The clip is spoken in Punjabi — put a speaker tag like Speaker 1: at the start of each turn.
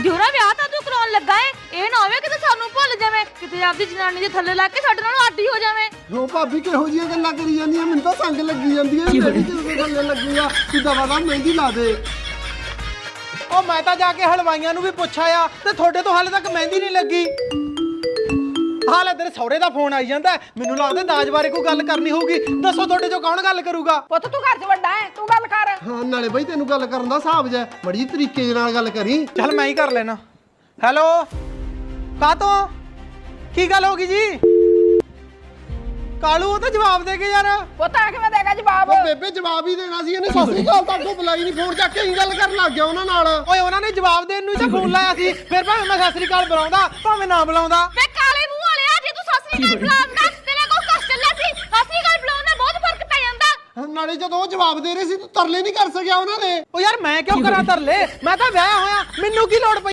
Speaker 1: ਦਿਉਰਾ ਵਿਆਹ ਤਾਂ ਤੂੰ ਕਰਾਉਣ ਲੱਗਾ ਏ, ਇਹ ਨਾ ਹੋਵੇ ਕਿਤੇ ਸਾਨੂੰ ਭੁੱਲ ਜਾਵੇਂ, ਕਿਤੇ ਆਪਦੀ ਜਨਾਨੀ ਦੇ ਥੱਲੇ ਲੱਗ ਕੇ ਸਾਡੇ ਨਾਲ ਆਡੀ ਹੋ ਜਾਵੇਂ।
Speaker 2: ਹੋ ਭਾਬੀ ਕਿਹੋ ਜਿਹੀਆਂ ਗੱਲਾਂ ਕਰੀ ਜਾਂਦੀਆਂ, ਮੈਨੂੰ ਤਾਂ ਸੰਗ ਲੱਗੀ ਜਾਂਦੀ ਹੈ। ਮੇਰੀ ਕਿਉਂ ਥੱਲੇ ਲੱਗੂਗਾ, ਤੂੰ ਦਵਾ ਦਾ ਮਹਿੰਦੀ ਲਾ ਦੇ।
Speaker 3: ਉਹ ਮੈਂ ਤਾਂ ਜਾ ਕੇ ਹਲਵਾਈਆਂ ਨੂੰ ਵੀ ਪੁੱਛਿਆ ਤੇ ਤੁਹਾਡੇ ਤੋਂ ਹਾਲੇ ਤੱਕ ਮਹਿੰਦੀ ਨਹੀਂ ਲੱਗੀ। ਹਾਲੇ ਤੇਰੇ ਸਹੁਰੇ ਦਾ ਫੋਨ ਆਈ ਜਾਂਦਾ, ਮੈਨੂੰ ਲੱਗਦਾ ਦਾਜ ਬਾਰੇ ਕੋਈ ਗੱਲ ਕਰਨੀ ਹੋਊਗੀ। ਦੱਸੋ ਤੁਹਾਡੇ ਚੋਂ ਕੌਣ ਗੱਲ ਕਰੂਗਾ?
Speaker 4: ਪੁੱਤ ਤੂੰ ਘਰ 'ਚ ਵੱਡਾ ਹੈ, ਤੂੰ ਗੱਲ ਕਰ।
Speaker 2: ਹਾਂ ਨਾਲੇ ਬਈ ਤੈਨੂੰ ਗੱਲ ਕਰਨ ਦਾ ਹਿਸਾਬ ਜੈ, ਬੜੀ ਤਰੀਕੇ ਦੇ ਨਾਲ ਗੱਲ ਕਰੀ।
Speaker 3: ਚੱਲ ਮੈਂ ਹੀ ਕਰ ਲੈਣਾ। ਹੈਲੋ, ਕਾਤੋਂ ਕੀ ਗੱਲ ਹੋ ਗਈ ਜੀ? ਕਾਲੂ ਉਹ ਤਾਂ ਜਵਾਬ ਦੇ ਕੇ ਯਾਰ।
Speaker 4: ਪੁੱਤ ਆ ਕਿਵੇਂ ਦੇਗਾ ਜਵਾਬ?
Speaker 2: ਉਹ ਬੇਬੇ ਜਵਾਬ ਹੀ ਦੇਣਾ ਸੀ, ਇਹਨੇ ਸਤਿ ਸ੍ਰੀ ਅਕਾਲ ਤਾਂ ਅੱਗੋਂ ਬੁਲਾਈ ਨਹੀਂ, ਫੋਨ ਚੱਕ ਕੇ ਹੀ ਗੱਲ ਕਰਨ ਲੱਗ ਗਿਆ ਉਹਨਾਂ ਨਾਲ।
Speaker 3: ਓਏ ਉਹਨਾਂ ਨੇ ਜਵਾਬ ਦੇਣ ਨੂੰ ਹੀ ਤਾਂ ਫੋਨ ਲਾਇਆ ਸੀ, ਫਿਰ ਭਾਵੇਂ ਮੈਂ ਸਤਿ ਸ੍ਰੀ ਅਕਾਲ ਬੁਲਾਉਂਦਾ ਭਾਵੇਂ ਨਾ ਬੁਲਾਉਂਦਾ।
Speaker 1: ਵੇ ਕਾਲੇ ਮੂੰਹ ਵਾਲਿਆ, ਜੇ ਤੂੰ ਸਤਿ ਸ੍ਰੀ ਅਕਾਲ ਬੁਲਾਉਂਦਾ ਤੇਰੇ ਕੋਲ ਕਸ਼ਟ ਚੱਲਿਆ ਸੀ, ਸਤਿ ਸ੍ਰੀ ਅਕਾਲ ਬੁਲਾਉਣ ਨਾਲ ਬਹੁਤ ਫਰਕ ਪੈ ਜਾਂਦਾ।
Speaker 2: ਨਾਲੇ ਜਦੋਂ ਉਹ ਜਵਾਬ ਦੇ ਰਹੇ ਸੀ ਤੂੰ ਤਰਲੇ ਨਹੀਂ ਕਰ ਸਕਿਆ ਉਹਨਾਂ ਦੇ।
Speaker 3: ਓ ਯਾਰ ਮੈਂ ਕਿਉਂ ਕਰਾਂ ਤਰਲੇ, ਮੈਂ ਤਾਂ ਵਿਆਹ ਹੋਇਆ, ਮੈਨੂੰ ਕੀ ਲੋੜ ਪਈ